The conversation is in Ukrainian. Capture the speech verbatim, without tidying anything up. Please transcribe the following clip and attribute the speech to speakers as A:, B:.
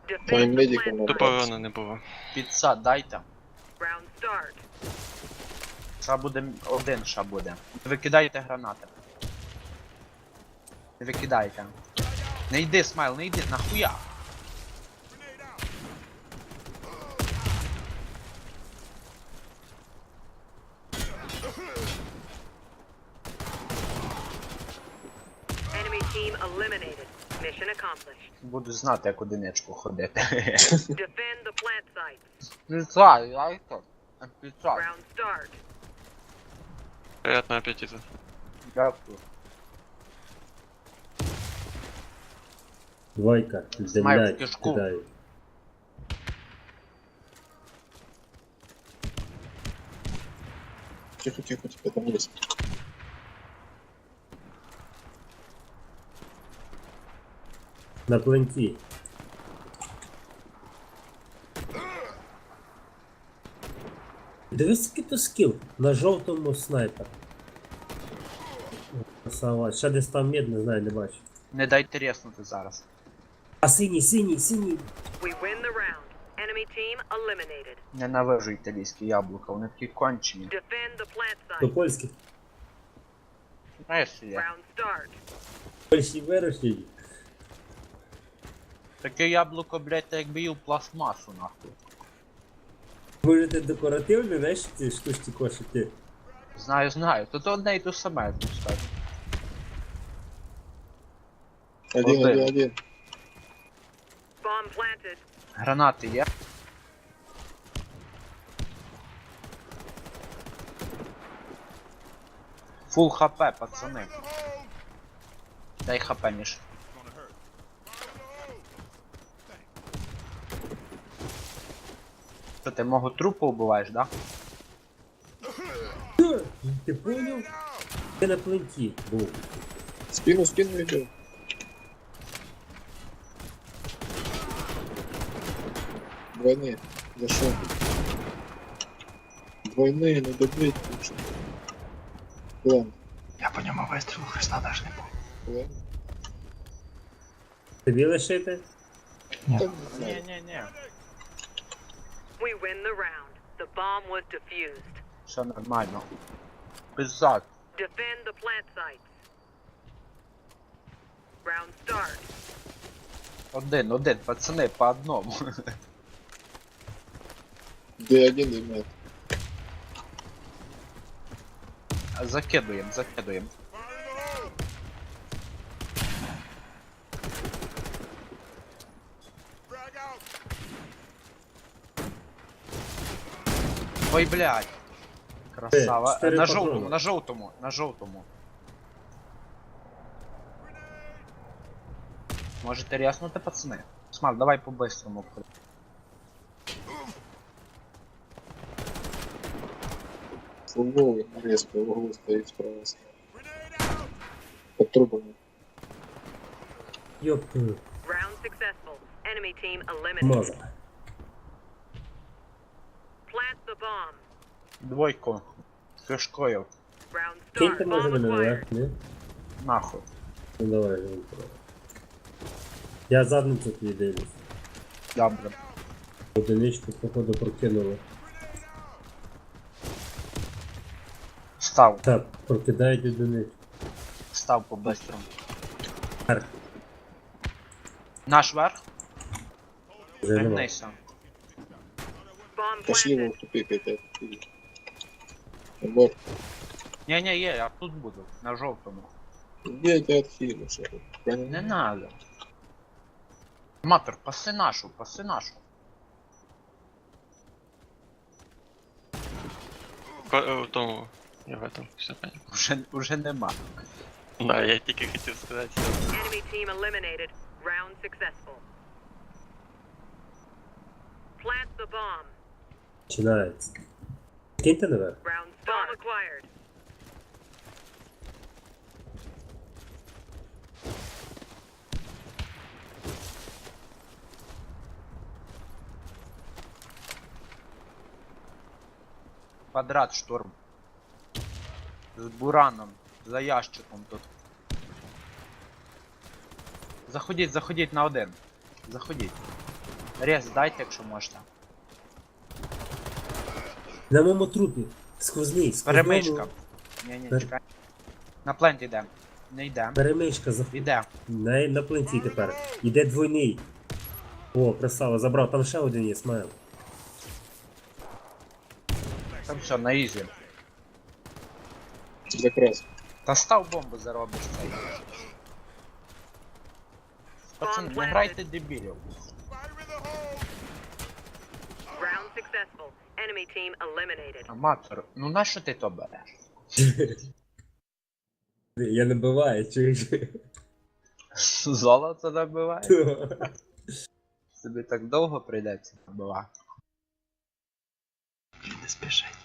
A: Твоїм медиком
B: Тупо
A: набрав.
B: урона не було.
C: Підсад дайте.
D: Round start.
C: Ша буде один, ша буде. Не викидайте гранати. Не викидайте. Не йди, Смайл, не йди, нахуя?
D: Enemy team eliminated. Mission accomplished.
C: Буду знати, як одиничку ходити.
D: Defend the plant sites.
C: Підсад, дайте. Підсад.
D: Round start.
B: Приятного аппетита.
C: Дякую.
E: Двойка,
C: Смайл,
E: землять,
C: кишку.
E: кидаю.
A: Тихо, тихо, тихо, там є.
E: На пленті. Дивись, який то скіл. На жовтому снайпер. Красава. Ще десь там мід, не знаю, не бачу.
C: Не дайте резнути зараз.
E: А синій, синій, синій.
D: We win the round. Enemy team eliminated.
C: Ненавижу італійські яблука, вони такі кончені.
D: Defend the plant
E: До
D: site.
E: польських.
C: Знаєш, що є?
D: Round start.
E: Польщі вирощені.
C: Таке яблуко, блядь, та якби їв пластмасу, нахуй.
E: Можете декоративні, знаєш, ці штучки кошики.
C: Знаю, знаю. Тут одне і то саме, тут скажу.
A: Один,
C: Один.
A: один, один.
D: Bomb planted.
C: Гранати є? Фул хп, пацани. Дай хп, Міш. Що, ти мого трупу вбиваєш, да?
E: Ти поняв? Ти на пленті був.
A: Спину, спину йду. Двойные. Зашел. Двойные, не добить лучше. План.
C: Я по ньому вистрілу Христа даже не був.
A: План.
E: Тобі лишити?
A: Там, не
C: Ні,
A: знаю.
C: ні, ні.
D: We win the round. The bomb was defused.
C: Все нормально. Пизак.
D: Defend the plant sites. Round start.
C: Один, один, пацани, по одному.
A: Д один и мат.
C: Закидуємо, закидуємо. Ой, блядь. Красава.
E: чотири
C: На
E: патрони.
C: жовтому, на жовтому, на жовтому. Можете ряснути, пацани? Смак, давай по-бистрому.
A: Фулговый, резко, в углу стоит справа. Под трубами.
E: Йоп,
D: Round successful. Enemy team eliminated.
E: маза.
D: Plant the bomb.
C: Двойку. Кишкою.
D: Round
E: Киньте
D: start.
E: може
D: Bomb
E: мене
D: acquired.
E: наверх, ні?
C: Нахуй.
E: Ну давай, живу. Я задницю тобі дивлюсь.
C: Добре.
E: Одиничку, походу, прокинули.
C: Став.
E: Так, прокидають одиничку.
C: Став по-бистрому.
E: Вверх.
C: Наш верх?
E: Вже нема.
C: Вернися.
D: Bomb
A: Пошли
D: planted.
A: в тупик опять. Аборт.
C: Ні-ні, є, я тут буду. На жовтому.
A: Где это отхилишь?
C: Не надо. Матер, паси нашу, паси нашу.
B: Ко- В тому. Я в этом. Все понятно.
C: Уже, уже нема.
B: Да, я тільки хотів сказати.
D: Enemy team eliminated. Round successful. Plant the bomb.
E: Починається. Киньте наверх.
D: Round start. Bomb acquired.
C: Квадрат шторм. З бураном. За ящиком тут. Заходіть, заходіть на один. Заходіть. Рез дайте, якщо можна.
E: На моєму трупі. Сквозний, сквозному.
C: Перемичка. Ні, ні,
E: Пер-
C: чекай. На плент йдем. Не йдем.
E: Перемичка заходить.
C: Іде.
E: На, на пленті тепер. Іде двойний. О, красава, забрав. Там ще один є, смайл.
C: Там все, на ізі.
A: Якраз.
C: Та став бомбу заробиш цей. Пацани, не грайте дебілів.
D: Round successful. Enemy team eliminated.
C: Аматор, ну нащо ти то береш?
E: Я не биваю, чуєш?
C: Золото набиває? Тобі так довго прийдеться набивати. Не спішить.